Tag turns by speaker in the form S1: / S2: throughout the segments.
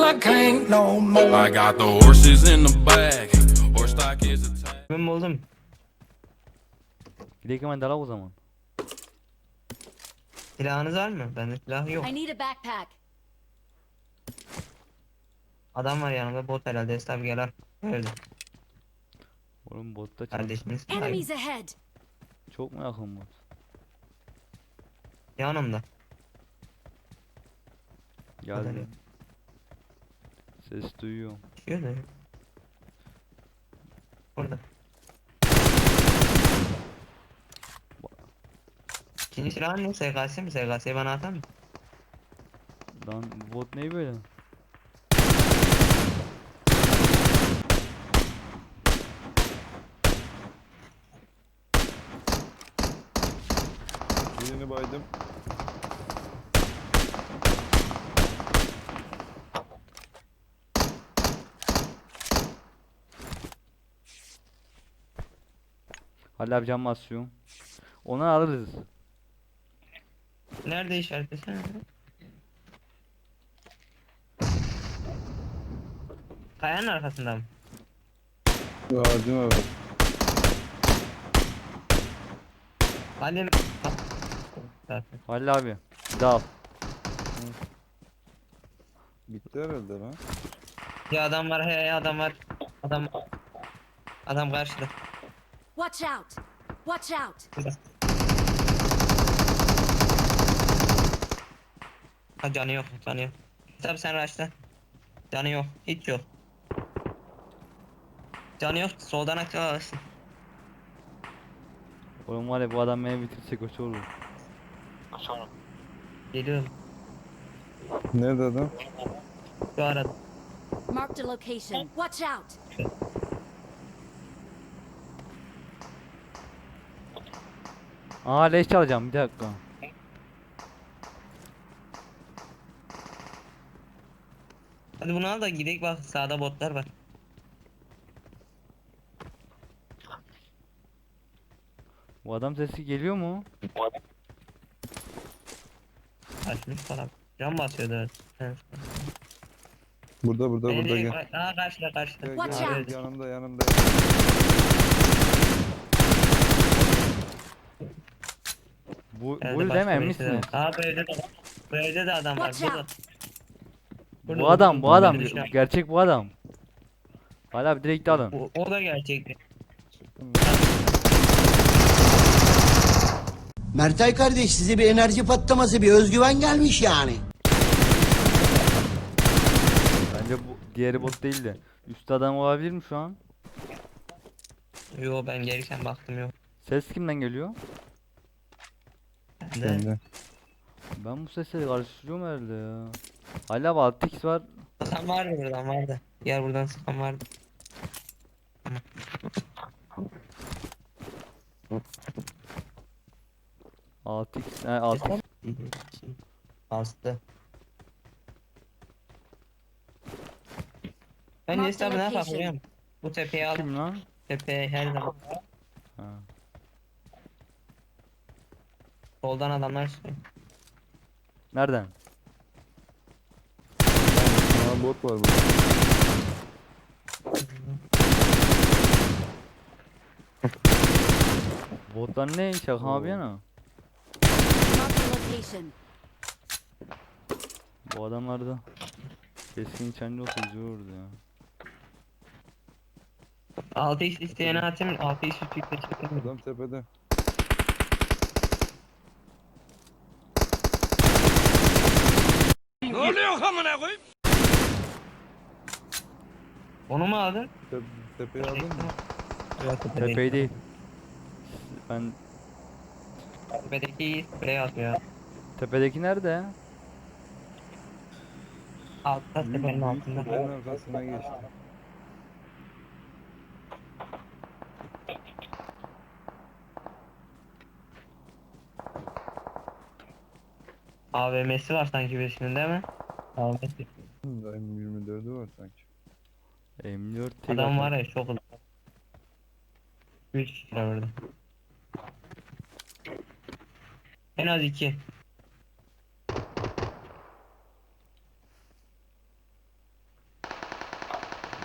S1: I can't no more. I got the horses in the back. Horse stock is a tag.
S2: Ben buldum.
S3: Gidelim hemen dala o zaman.
S2: Silahınız var mı? Bende silah yok.
S4: I need a backpack.
S2: Adam var yanımda, bot herhalde. Esnaf gel al. Öldü.
S3: Oğlum botta çarp.
S2: Kardeşimiz.
S4: Enemies ahead.
S3: Çok mu yakın bot?
S2: Yanımda.
S3: Geldi. Ses duyuyorum.
S2: Şöyle. Burada. İkinci silahın ne? SKS mi? SKS'yi bana atar mı?
S3: Lan bu bot ne böyle?
S5: Birini baydım.
S3: Hala abi cam basıyorum. Onu alırız.
S2: Nerede işaretlesene? Kayanın arkasında mı?
S5: Ağacın orada.
S2: Halim. Zaten.
S3: Hala abi. Dal.
S5: Bitti herhalde lan.
S2: Ya adam var, he adam var. Adam karşıda.
S4: Watch out. Watch out.
S2: Burada. Ha canı yok, canı yok. Tabi sen raşla. Canı yok, hiç yok. Canı yok, soldan aktif alırsın.
S3: Oğlum var ya bu adam beni bitirse kötü olur.
S2: Geliyorum.
S5: Nerede adam?
S2: Şu arada.
S4: Marked a location. Watch out.
S3: Aa leş çalacağım bir dakika.
S2: Hadi bunu al da gidelim, bak sağda botlar var.
S3: Bu adam sesi geliyor mu?
S2: Açmış falan. Can basıyordu. Evet.
S5: Burada gel.
S2: Aa karşıda karşıda.
S5: Gel,
S4: Watch
S5: gel,
S4: out.
S5: yanımda.
S3: Bu
S2: Evde
S3: değil
S2: başka
S3: mi emin
S2: birisi de var.
S3: misiniz?
S2: Aa bu evde de adam var.
S4: Watch
S2: Burada.
S4: out.
S2: Burada,
S3: Bu adam
S2: burada, burada.
S3: gerçek bu adam. Hala abi direkt alın.
S2: O da gerçekti.
S6: Mertay kardeş size bir enerji patlaması, bir özgüven gelmiş yani.
S3: Bence bu diğeri bot değil de. Üst adam olabilir mi şu an?
S2: Yo ben gelirken baktım yok.
S3: Ses kimden geliyor?
S2: Ben de.
S5: Sende.
S3: Ben bu sesleri karıştırıyorum herhalde ya. Hala abi 6x var.
S2: Sıkan vardı buradan vardı. Gel buradan sıkan vardı. Tamam.
S3: 6x, 6x.
S2: Bastı. Ben
S4: Mark
S2: Nesta
S4: the
S2: ne
S4: location.
S2: yapayım? Bu tepeyi al.
S3: Kim lan?
S2: Tepeye her zaman.
S3: Ha.
S2: Soldan adamlar çıkıyor.
S3: Nereden?
S5: Aa bot var burada.
S3: Botlar ne? Şaka abi yana.
S4: Marked a location.
S3: Bu adamlarda keskin çence olsa güzel olurdu ya.
S2: 6x isteyene atayım. 6x üstlükte çekeyim.
S5: Adam tepede.
S2: Onu mu aldın?
S5: Tepeyi aldın mı?
S2: Yok
S3: Tepeyi değil. Ben
S2: Tepedeki sprey atıyor.
S3: tepedeki nerede?
S2: Altta tepenin
S5: Büyük
S2: altında.
S5: kulenin arkasına geçti.
S2: AVM'si var sanki birisinin değil mi? AVM'si.
S5: M24'ü var sanki.
S3: M4 tek
S2: Adam
S3: atar.
S2: var ya çok uzun. 3 kişi var orada. En az 2.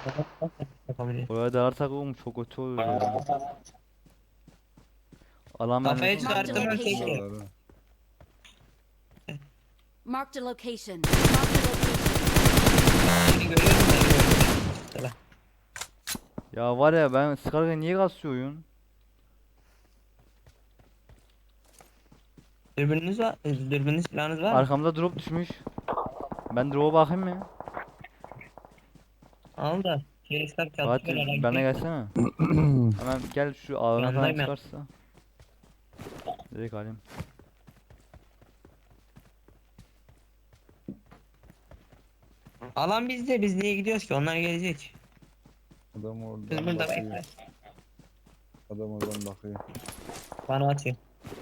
S2: Yapabilir.
S3: Oraya dalarsak oğlum çok kötü olur ya. Alan
S2: Kafayı
S3: vermesi.
S2: çıkarttım ben tek.
S5: Bunlar ha.
S4: Marked a location. Marked a location.
S2: Seni görüyorum seni görüyorum.
S3: Ya var ya ben sıkarken niye kasıyor oyun?
S2: Dürbününüz var. Dürbününüz silahınız var mı?
S3: Arkamda drop düşmüş. Ben drop'a bakayım mı?
S2: Al da. Kilisler
S3: Fatih
S2: çalışıyor.
S3: bana gelsene. Hemen gel şu ağına falan
S2: Yanındayım ya.
S3: çıkarsa. Direkt alayım.
S2: Alan bizde. Biz niye gidiyoruz ki? Onlar gelecek.
S5: Adam oradan
S2: Biz burada
S5: bakıyor.
S2: bekleriz.
S5: Adam oradan bakıyor.
S2: Bana atıyor.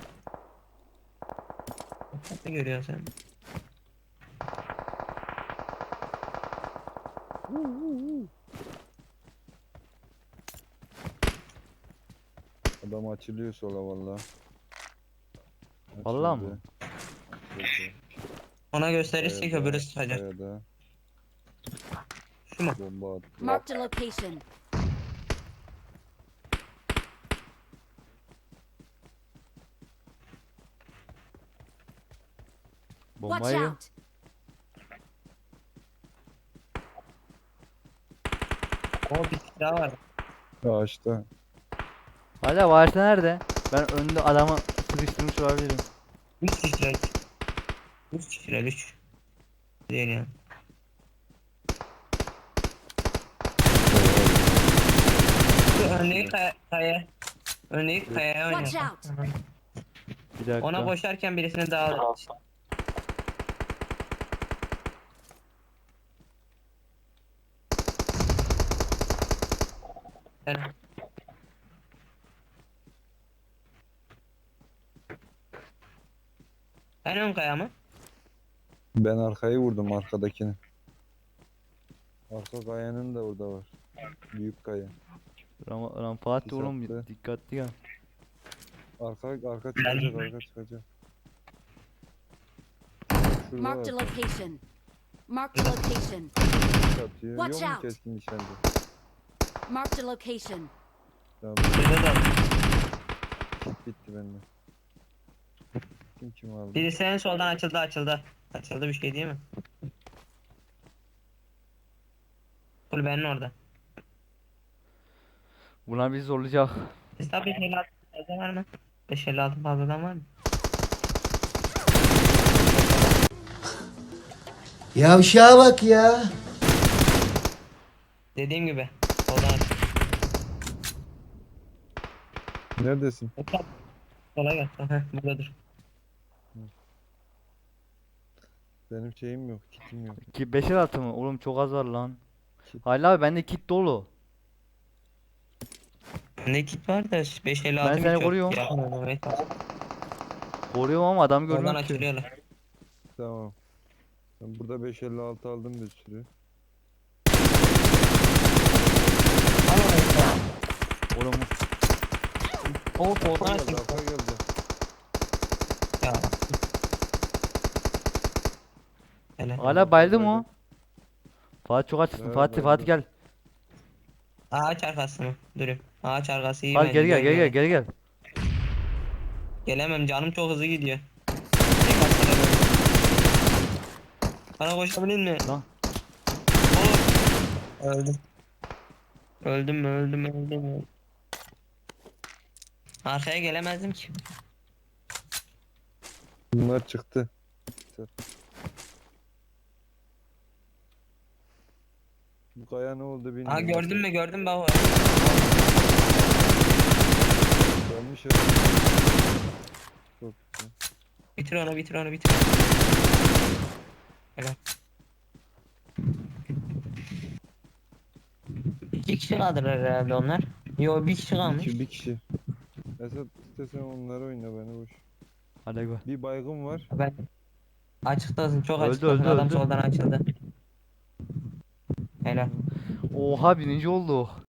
S2: Ne görüyorsun sen?
S5: Adam açılıyor sola valla.
S3: Vallahi mı?
S5: Açıldı.
S2: Ona gösterirsek
S5: Kayada,
S2: öbürü sıkacak.
S5: kayada
S2: Şu mu?
S5: bomba attı.
S4: Marked a location. Watch
S3: Bombayı.
S4: out.
S2: O bir silah var.
S5: Ağaçta.
S3: Hala varsa nerede? Ben önde adamı sıkıştırmış olabilirim.
S2: 3 kişiler. 3 kişiler 3. Değil yani. Şu örneği kaya. Örneği kayaya
S4: Watch
S2: oynuyor.
S4: out.
S3: Bir dakika.
S2: Ona koşarken birisini daha al. Yani. En ön kaya mı?
S5: Ben arkayı vurdum arkadakini. Arka kayanın da orada var. Büyük kaya.
S3: Ram Fatih oğlum
S5: Dikkatli.
S3: dikkatli gel.
S5: Arka çıkacak, arka çıkacak. Şurada
S4: Marked a
S5: var.
S4: location. Marked a location.
S5: Atıyor.
S4: Watch
S5: Yok mu
S4: out.
S5: keskin nişancı?
S4: Marked a location.
S5: Tamam,
S2: Şurada da.
S5: bitti bende. Kim aldı?
S2: Birisi en soldan açıldı açıldı. Açıldı bir şey değil mi? Kulübenin orada.
S3: Bunlar bizi zorlayacak.
S2: Hesap 556 fazla var mı? 556 fazladan var mı?
S6: Yavşağa bak ya.
S2: Dediğim gibi. Soldan aç.
S5: Neredesin?
S2: Hesap. Sola gel. Heh, burada dur.
S5: Benim şeyim yok, kitim yok.
S3: Ki 5'er atı mı? Oğlum çok az var lan. Hala abi bende kit dolu.
S2: Ne kit var da 556
S3: Ben seni koruyorum. Koruyorum ama adam
S2: Oradan
S3: görmüyorum ki.
S2: açılıyorlar.
S5: Tamam. Ben burada 556 aldım bir sürü.
S3: Oğlum
S2: O soldan
S5: Geldi,
S2: açıldı.
S5: arka geldi.
S2: Ya. Hele.
S3: hala bayıldı mı o? Fatih çok açsın.
S5: Evet,
S3: Fatih
S5: bayıldı.
S3: gel.
S2: Ağaç arkası mı? Durayım. Ağaç arkası iyi
S3: Hadi
S2: bence,
S3: gel gel gel
S2: görmüyorum.
S3: gel gel.
S2: Gelemem, canım çok hızlı gidiyor. Tek atlara böyle. Bana koşabilir mi?
S3: Lan.
S2: Oğlum. Öldüm. Öldüm. Arkaya gelemezdim ki.
S5: Bunlar çıktı. Bu kaya ne oldu bilmiyorum.
S2: Aa gördün mü bak.
S5: Gelmiş ya. Çok güzel.
S2: Bitir onu. Helal. 2 kişi kaldılar herhalde onlar. Yo, bir kişi kalmış.
S5: Bir kişi. Esat istesen onları oyna beni boş.
S3: Hadi gel.
S5: Bir baygın var.
S2: Ben açıktasın, çok
S3: Öldü,
S2: açıktasın.
S3: öldü,
S2: Adam
S3: öldü.
S2: soldan açıldı. Helal.
S3: Oha birinci oldu.